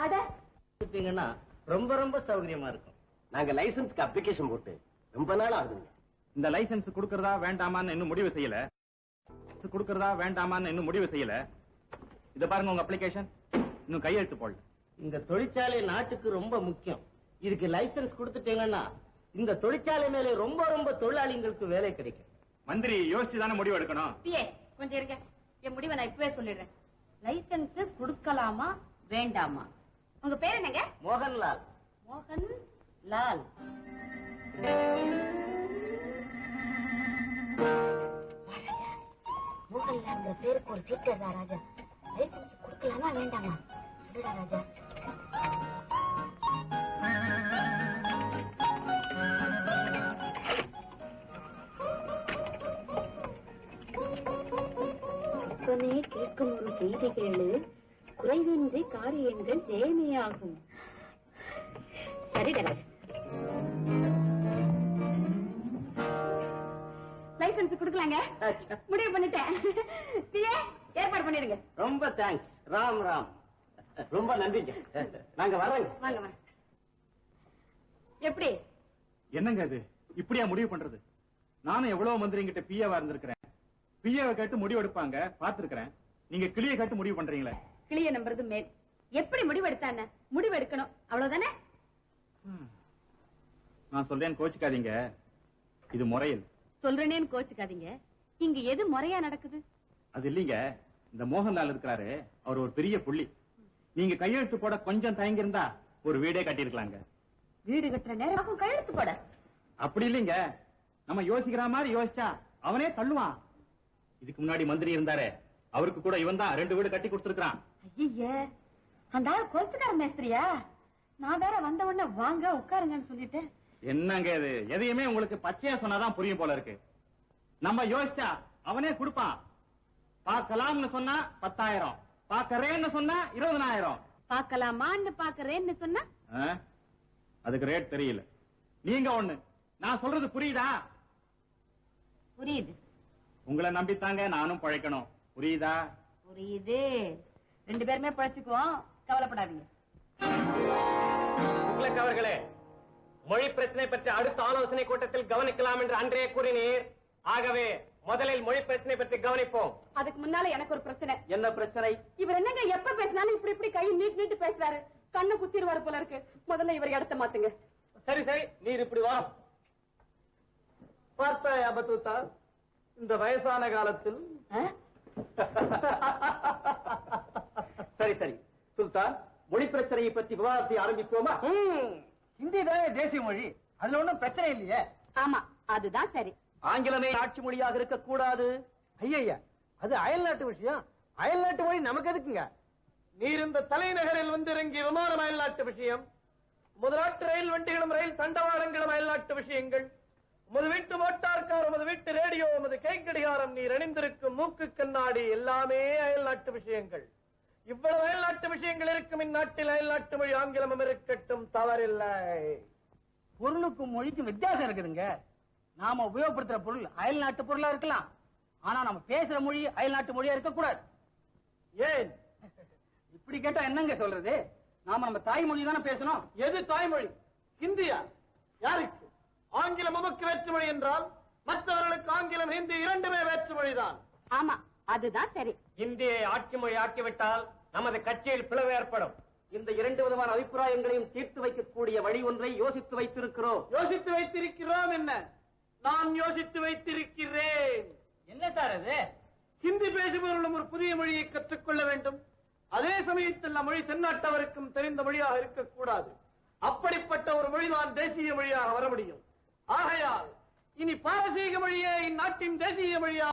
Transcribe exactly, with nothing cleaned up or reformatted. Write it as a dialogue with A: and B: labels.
A: அட ரொம்ப ரொம்ப சௌகரியமா இருக்கும்.
B: நாங்க லைசன்ஸ்க்கு அப்ளிகேஷன் போட்டு ரொம்ப நாள் ஆகுதுங்க.
C: இந்த லைசன்ஸ் கொடுக்கறதா வேண்டாமான்னு இன்னும் முடிவு செய்யல. கொடுக்கறதா வேண்டாமான்னு இன்னும் முடிவு செய்யல. இத பாருங்க உங்க அப்ளிகேஷன் இன்னும் கையெழுத்து போடல.
A: இந்த தொழிற்சாலை நாட்டுக்கு ரொம்ப முக்கியம். இதுக்கு லைசன்ஸ் கொடுத்துட்டீங்கன்னா இந்த தொழிற்சாலை மேலே ரொம்ப ரொம்ப தொழிலாளிகளுக்கு வேலை கிடைக்கும்.
C: மந்திரி யோசிச்சு தானே முடிவு எடுக்கணும்.
D: கொஞ்சம் இருக்க, என் முடிவை நான் இப்பவே சொல்லிடுறேன். லைசன்ஸ் கொடுக்கலாமா வேண்டாமா? உங்க பேர் என்னங்க?
A: மோகன்லால்.
D: மோகன் லால்.
E: மோகன்லால் பேருக்கு ஒரு சீட் எழுதா ராஜா. லைசன்ஸ் கொடுக்கலாமா வேண்டாமா சொல்லுடா ராஜா. அப்பனே கேட்கும் ஒரு செய்தி கேளு, குறைவின்றி காரியங்கள் ஜெயமையாகும். சரிடா ராஜா.
D: லைசன்ஸ் கொடுக்கலாங்க, முடிவு பண்ணிட்டேன். ஏற்பாடு பண்ணிடுங்க.
A: ரொம்ப தேங்க்ஸ். ராம் ராம்.
B: ரொம்ப நன்றிங்க. நாங்க வரோங்க.
D: வாங்க வாங்க. எப்படி
C: என்னங்க இது இப்படியா முடிவு பண்றது? நானும் எவ்வளவு மந்திரிங்கிட்ட பிஏவா இருந்திருக்கிறேன். பிஏவை கேட்டு முடிவு எடுப்பாங்க பாத்துருக்கிறேன். நீங்க கிளியை கேட்டு முடிவு பண்றீங்களே.
D: கிளிய நம்புறது மேல். எப்படி முடிவு எடுத்தானே? முடிவு எடுக்கணும், அவ்வளவுதானே?
C: நான் சொல்றேன், கோச்சுக்காதீங்க. இது முறையில்
D: சொல்றேனேன்னு கோச்சுக்காதீங்க. இங்க எது முறையா நடக்குது?
C: அது இல்லீங்க. இந்த மோகன்லால் இருக்கிறாரு, அவர் ஒரு பெரிய புள்ளி. நீங்க கையெழுத்து போட கொஞ்சம் தயங்கி இருந்தா ஒரு வீடே கட்டிருக்கலாங்க.
D: வீடு கட்டுற நேரம் கையெழுத்து போட
C: அப்படி இல்லீங்க. நம்ம யோசிக்கிற மாதிரி யோசிச்சா அவனே தள்ளுவான். இதுக்கு முன்னாடி மந்திரி இருந்தாரு, அவருக்கு கூட இவன் தான் ரெண்டு வீடு கட்டி கொடுத்திருக்கான்.
D: ஐயே, அந்த ஆள் கொளுத்துக்கார மேஸ்திரியா? நான் வேற வந்த உடனே வாங்க உட்காருங்கன்னு சொல்லிட்டேன்.
C: என்னங்க இது? எதையுமே உங்களுக்கு பச்சையா சொன்னாதான் புரியும் போல இருக்கு. நம்ம யோசிச்சா அவனே கொடுப்பான். பாக்கலாம்னு சொன்னா பத்தாயிரம், பாக்கறேன்னு சொன்னா இருபதனாயிரம்.
D: பாக்கலாமான்னு பாக்கறேன்னு சொன்னா
C: அதுக்கு ரேட் தெரியல. நீங்க ஒண்ணு, நான் சொல்றது புரியுதா?
D: புரியுது.
C: உங்களை நம்பித்தாங்க நானும் பழைக்கணும். புரியுதா?
D: புரியுது. ரெண்டு பேருமே பழைச்சுக்குவோம், கவலைப்படாதீங்க.
B: அவர்களே, மொழி பிரச்சனை பற்றி அடுத்த ஆலோசனை கூட்டத்தில் கவனிக்கலாம் என்று அன்றே கூறினீர். ஆகவே முதலில் மொழி பிரச்சனை பற்றி கவனிப்போம்.
D: அதுக்கு முன்னால எனக்கு ஒரு பிரச்சனை.
B: என்ன பிரச்சனை?
D: இவர் என்னங்க எப்ப பேசினாலும் இப்படி இப்படி கை நீட்டு நீட்டு பேசுறாரு. கண்ணு குத்திடுவாரு போல இருக்கு. முதல்ல இவர் இடத்த மாத்துங்க.
B: சரி சரி, நீர் இப்படி வா. பார்த்தாயா பத்தூத்தா, இந்த வயசான காலத்தில் சரி சரி சுல்தான், மொழி பிரச்சனையை பற்றி விவாதத்தை ஆரம்பிப்போமா?
A: ஹிந்தி தானே தேசிய மொழி, அதுல ஒண்ணும் பிரச்சனை இல்லையே.
D: ஆமா, அதுதான் சரி.
B: ஆங்கிலமே ஆட்சி மொழியாக இருக்க கூடாது.
A: ஐயா, அது அயல் நாட்டு விஷயம். அயல் நாட்டு மொழி நமக்கு எதுக்குங்க?
B: நீர் இந்த தலைநகரில் வந்து இறங்கிய விமானம் அயல் நாட்டு விஷயம். முதலாட்டு ரயில் வண்டிகளும் ரயில் தண்டவாளங்களும் அயல் நாட்டு விஷயங்கள். உமது வீட்டு மோட்டார் கார், உமது வீட்டு ரேடியோ, உமது கைக்கடிகாரம், நீர் அணிந்திருக்கும் மூக்கு கண்ணாடி எல்லாமே அயல் நாட்டு விஷயங்கள். இவ்வளவு அயல் நாட்டு விஷயங்கள் இருக்கும் இந்நாட்டில் அயல் நாட்டு மொழி ஆங்கிலமும் இருக்கட்டும், தவறில்லை.
A: பொருளுக்கும் மொழிக்கும் வித்தியாசம் இருக்குதுங்க. நாம உபயோகப்படுத்துற பொருள் அயல் நாட்டு பொருளா இருக்கலாம், ஆனா நம்ம பேசுற மொழி அயல் நாட்டு மொழியா இருக்க கூடாது.
B: ஏன்
A: இப்படி கேட்டா என்னங்க சொல்றது? நாம நம்ம தாய்மொழி தானே பேசணும்.
B: எது தாய்மொழி? ஹிந்தியா? யாருக்கு? ஆங்கிலம் நமக்கு வேற்றுமொழி என்றால் மற்றவர்களுக்கு ஆங்கிலம், ஹிந்தி இரண்டுமே வேற்றுமொழிதான்.
D: ஆமா, அதுதான் சரி.
B: இந்தியை ஆட்சி மொழி ஆக்கிவிட்டால் நமது கட்சியில் பிளவு ஏற்படும். இந்த இரண்டு விதமான அபிப்பிராயங்களையும் தீர்த்து வைக்கக்கூடிய வழி ஒன்றை யோசித்து வைத்திருக்கிறோம். யோசித்து வைத்திருக்கிறோம் என்ன? நான் யோசித்து வைத்திருக்கிறேன்.
A: என்ன சார் அது?
B: ஹிந்தி பேசுபவர்களும் ஒரு புதிய மொழியை கற்றுக்கொள்ள வேண்டும். அதே சமயத்தில் மொழி தென்னாட்டவருக்கும் தெரிந்த மொழியாக இருக்கக்கூடாது. அப்படிப்பட்ட ஒரு மொழிதான் தேசிய மொழியாக வர முடியும். ஆகையால் இனி பாரசீக மொழியே இந்நாட்டின் தேசிய மொழியாக